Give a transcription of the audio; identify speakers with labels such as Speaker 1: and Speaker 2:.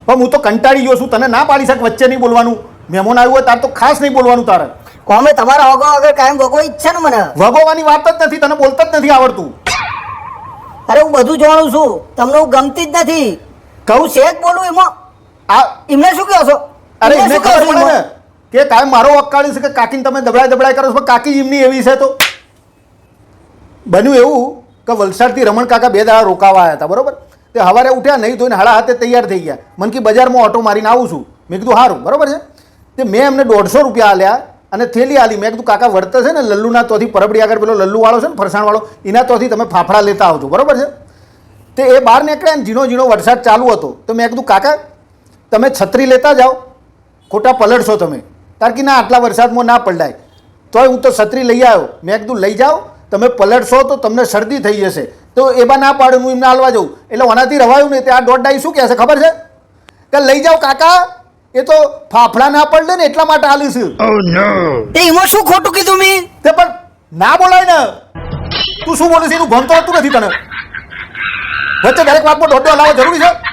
Speaker 1: પણ હું તો કંટાળી ગયો છું, તને ના પાડી શક વચ્ચે નહીં બોલવાનું. મહેમાન આવ્યું હોય તાર તો ખાસ નહીં બોલવાનું તારે.
Speaker 2: કોમે તમારા વગો વગર કાયમ વગો ઈચ્છા ને મને.
Speaker 1: વગોવાની વાત જ નથી, તને બોલતા જ નથી આવડતું.
Speaker 2: અરે હું બધું જાણું છું, તમને હું ગમતી જ નથી. કહું શેક બોલું એમાં
Speaker 1: આ
Speaker 2: એમને શું કહો છો?
Speaker 1: અરે
Speaker 2: એમને
Speaker 1: એમને
Speaker 2: શું કહો
Speaker 1: ખબર
Speaker 2: છો
Speaker 1: પડે ને
Speaker 2: એમાં?
Speaker 1: કે કાંઈ મારો વકાળી છે કે કાકીને તમે દબડાય કરો છો, પણ કાકી એમની એવી છે. તો બન્યું એવું કે વલસાડથી રમણ કાકા 2 દાડા રોકાવા આવ્યા હતા, બરોબર. તે સવારે ઉઠ્યા, નહીં ધોઈને 7:30 તૈયાર થઈ ગયા. મને કે બજારમાં ઓટો મારીને આવું છું. મેં કીધું સારું, બરોબર છે. તે મેં એમને 150 રૂપિયા આલ્યા અને થેલી આલી. મેં કીધું કાકા વર્તે છે ને લલ્લુના તોથી પરબડી આગળ પેલો લલ્લુવાળો છે ને ફરસાણવાળો, એના તોથી તમે ફાફડા લેતા આવજો, બરોબર છે. તે એ બહાર નીકળ્યા ને ઝીણો ઝીણો વરસાદ ચાલુ હતો. તો મેં કીધું કાકા તમે છત્રી લેતા જાઓ, ખોટા પલળશો તમે. કારણ કે ના આટલા વરસાદમાં ના પલડાય. તોય હું તો છત્રી લઈ આવ્યો. મેં કીધું લઈ જાઓ, તમે પલળશો તો તમને શરદી થઈ જશે. તો એમાં ના પાડું, હું એમને હાલવા જાઉં. એટલે ઓનાથી રવાયું નહીં. તે આ દોઢ શું કહે છે ખબર છે કે લઈ જાઓ કાકા, એ તો ફાફડા ના પડે ને એટલા માટે હાલીશું.
Speaker 2: તે એમાં શું ખોટું કીધું મેં?
Speaker 1: તે પણ ના બોલાય ને. તું શું બોલે છે એનું ભણતો હતું નથી તને. વચ્ચે દરેક વાતમાં દોઢ હલાવવા જરૂરી છે.